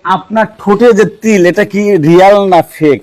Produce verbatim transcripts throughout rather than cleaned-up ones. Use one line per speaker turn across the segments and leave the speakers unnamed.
আপনার ঠোঁটে যে তিল এটা কি রিয়াল না ফেক?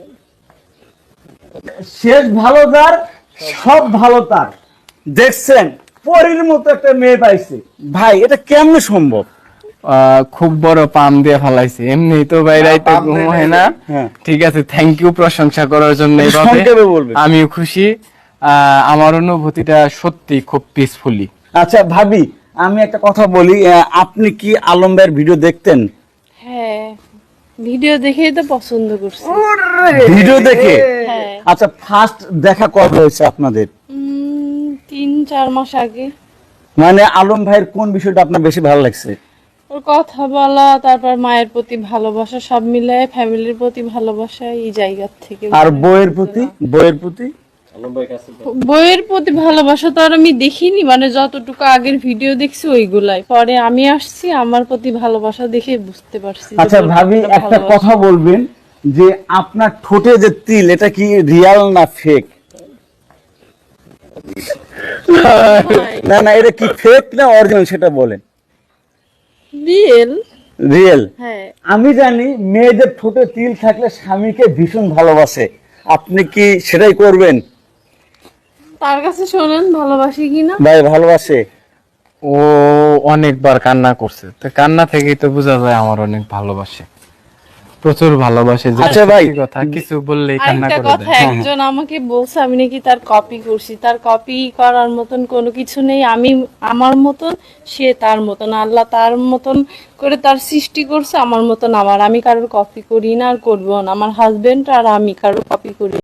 শেষ ভালো তার, সব ভালো তার। দেখছেন পরীর মতো একটা মেয়ে পাইছে। ভাই এটা কেমনে সম্ভব?
আহ, খুব বড় পাম দিয়ে ফেলাইছে, এমনি তো বাইরাইতে
পাম
ঘুম
দিয়ে
হয় না।
হ্যাঁ।
ঠিক আছে, থ্যাংক ইউ প্রশংসা করার জন্য।
একটু
এভাবে
সংক্ষেপে বলবেন।
আমিও খুশি। আহ, আমার অনুভূতিটা সত্যি খুব পিসফুলি।
আচ্ছা ভাবি, আমি একটা কথা বলি, আহ, আপনি কি আলম ভাইয়ের ভিডিও দেখতেন?
হ্যাঁ, ভিডিও দেখেই তো পছন্দ করছি।
ভিডিও দেখে?
হ্যাঁ।
আচ্ছা, ফার্স্ট দেখা কবে হয়েছে আপনাদের?
উম, তিন চার মাস আগে।
মানে আলম ভাইয়ের কোন বিষয়টা আপনার বেশি ভালো লাগছে?
ওর কথা বলা, তারপর মায়ের প্রতি ভালোবাসা, সব মিলায় ফ্যামিলির প্রতি ভালোবাসা, এই জায়গা থেকে।
আর বইয়ের প্রতি? বইয়ের প্রতি
বইয়ের প্রতি ভালোবাসা তো আর আমি দেখিনি, মানে যতটুকু আগের ভিডিও দেখছি ওইগুলাই। পরে আমি আসছি, আমার প্রতি ভালোবাসা দেখে বুঝতে পারছি যে
আচ্ছা
ওর
ভাবি,
কতটা
একটা
ভালোবাসা।
কথা বলবেন যে আপনার ঠোঁটে যে তিল এটা কি রিয়াল না ফেক? না না, এটা কি ফেক না অরিজিনাল সেটা বলেন।
রিয়েল।
রিয়েল?
হ্যাঁ।
আমি জানি মেয়েদের ঠোঁটে তিল থাকলে স্বামীকে ভীষণ ভালোবাসে, আপনি কি সেটাই করবেন?
তার কাছে শোনেন ভালোবাসি কিনা।
ভাই ভালোবাসে?
ও অনেকবার কান্না করছে, তো কান্না থেকেই তো বোঝা যায় আমার অনেক ভালোবাসে, প্রচুর ভালোবাসে। যে
আচ্ছা ভাই,
সত্যি কথা, কিছু বললেই কান্না
আরেকটা
করে
কথা,
দেয়।
একজন আমাকে বলছে আমি নাকি তার কপি করছি। তার কপি করার মতন কোনো কিছু নেই। আমি আমার মতন, সে তার মতন। আল্লাহ তার মতন করে তার সৃষ্টি করছে, আমার মতন আমার। আমি কারোর কপি করি না আর করবো না। আমার হাজবেন্ড আর আমি কারোর কপি করি না।